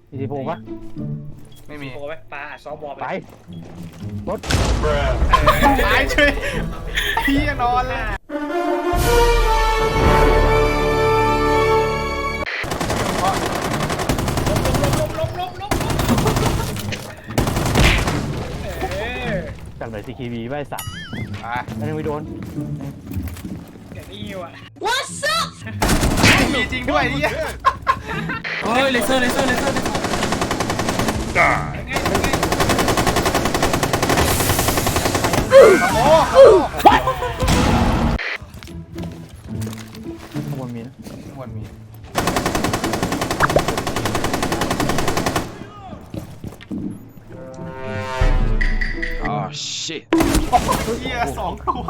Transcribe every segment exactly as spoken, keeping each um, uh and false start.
มีสิบหกปะไม่มีโอ้ยปลาซอฟบอลไปรถตายช่วยพี่นอนเลยลบลบลบลบจากไหนซีคีบีไม่สัตว์ไปแล้วยังไม่โดนอย่างนี้ว่ะ What's up ไม่มีจริงด้วยนี่เฮ้ยเลเซอร์เลเซอร์เลเซอร์ยังไงยังไงโอ้โหข้างบนมีนะข้างบนมีอ๋อ shit เฮียสองตัว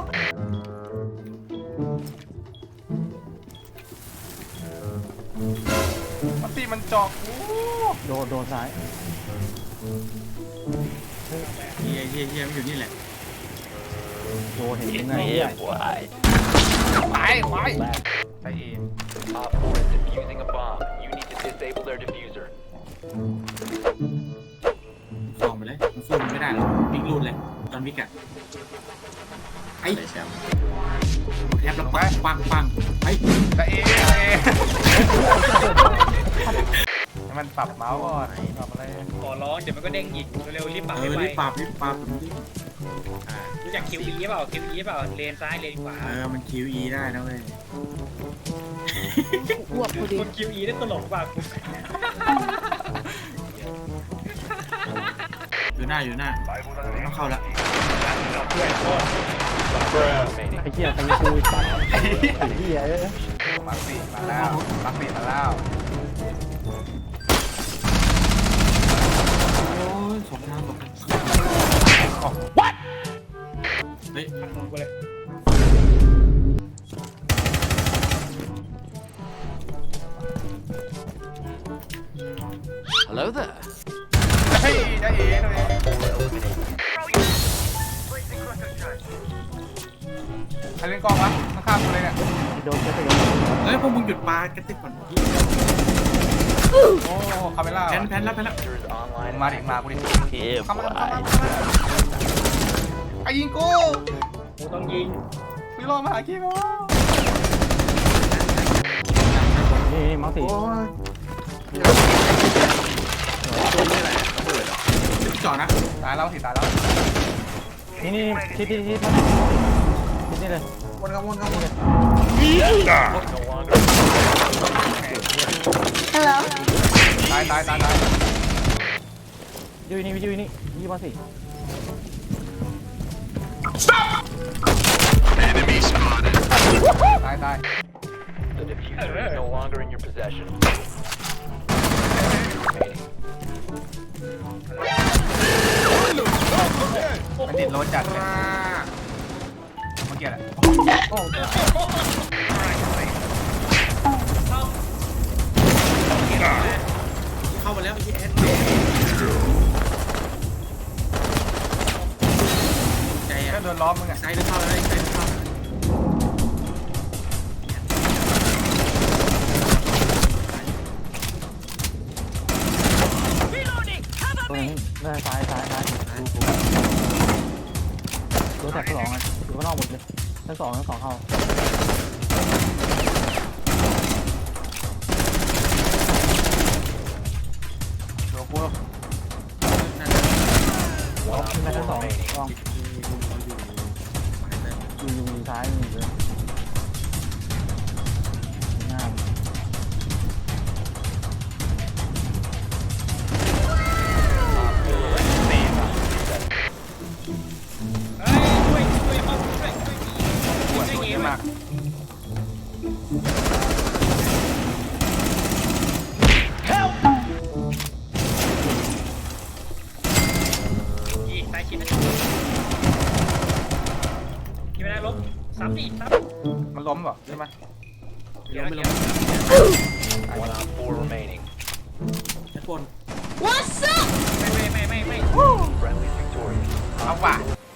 มันตีมันจอกโอ้โดนโดนซ้ายเฮียเฮียเฮียมันอยู่นี่แหละโดนเห็นยังไงไปไปไปเอง Op four is defusing a bomb. You need to disable their diffuser. ส่องไปเลยมันสู้มันไม่ได้หรอกวิ่งรูดเลยตอนวิกอะไอ้แชมป์แทบแล้วปังปังปังไอ้ไปเองเองให้มันปรับเมาส์ก่อนปรับอะไรขอร้องเดี๋ยวมันก็เด้งอีกเร็วๆรีบปรับเอให้อไวรีบปรับรีบปรับอ่ารู้จักคิวอีเปล่าคิวอีเปล่าเลนซ้ายเลนขวาเออมัน คิว อี ได้นะเว้ยอ้วกพอดีคนคิวอีได้ตลกป่ะอยู่หน้าอยู่หน้าต้องเข้าละด้วยโทษไอ้เหี้ยใครจะคุยสัตว์ไอ้เหี้ยเอ้ยมาสี่มาแล้วมาสี่มาแล้วโอ้ยสองทางสองทางเฮ้ยลงไปเลย Hello there. เฮ้ยได้เองเลยใครเล่นกล้องวะข้างๆกูเลยเนี่ยโดนจะไปโดนเฮ้ยพวกมึงหยุดปลากระติกก่อนโอ้คาเมล่าแพนแพนแล้วแพนแล้ว Diffuser is online. มาดิมากูดิเข้ามาเข้ามาเข้ามาไอ้ยิงกูกูต้องยิงพี่รอมาหากี้กูนี่นี่มังสีจอดนะตายแล้วสิตายแล้วนี่นี่ชิดชิดชิดชิดนี่เลยวนกันวนกันวน No longer. Hello ตายตายตายตายยูนี่ยูนี่ยี่มังสีตายตาย The diffuser is no longer in your possession. มันติดรถจัดเลยเมื่อกี้แหละเข้ามาแล้วไอ้แอดใจก็อ่ะโดนล้อมมึงอ่ะใจลึกเข้าแล้วใจลึกเข้าตรงนี้ได้ซ้ายซ้ายซ้ายรถแท็กสองอ่ะอยู่ข้างนอกหมดเลยทั้งสองทั้งสองเข้าเดี๋ยวกูนั่นขึ้นได้ทั้งสองลองอยู่อยู่อยู่ซ้ายอยู่เลยงามเฮ้ยช่วยช่วยเอาช่วยช่วยปวดช่วยปวดยิเยงอะมากยิงตายชิ้นนะยิงไม่ได้ลบซ้ำดิซ้ำมันล้มเหรอใช่ไหมล้มไม่ล้ม One on four remaining. แอดบน What's up ไม่ไม่ไม่ไม่ไม่ Friendly's victorious. เอาว่ะ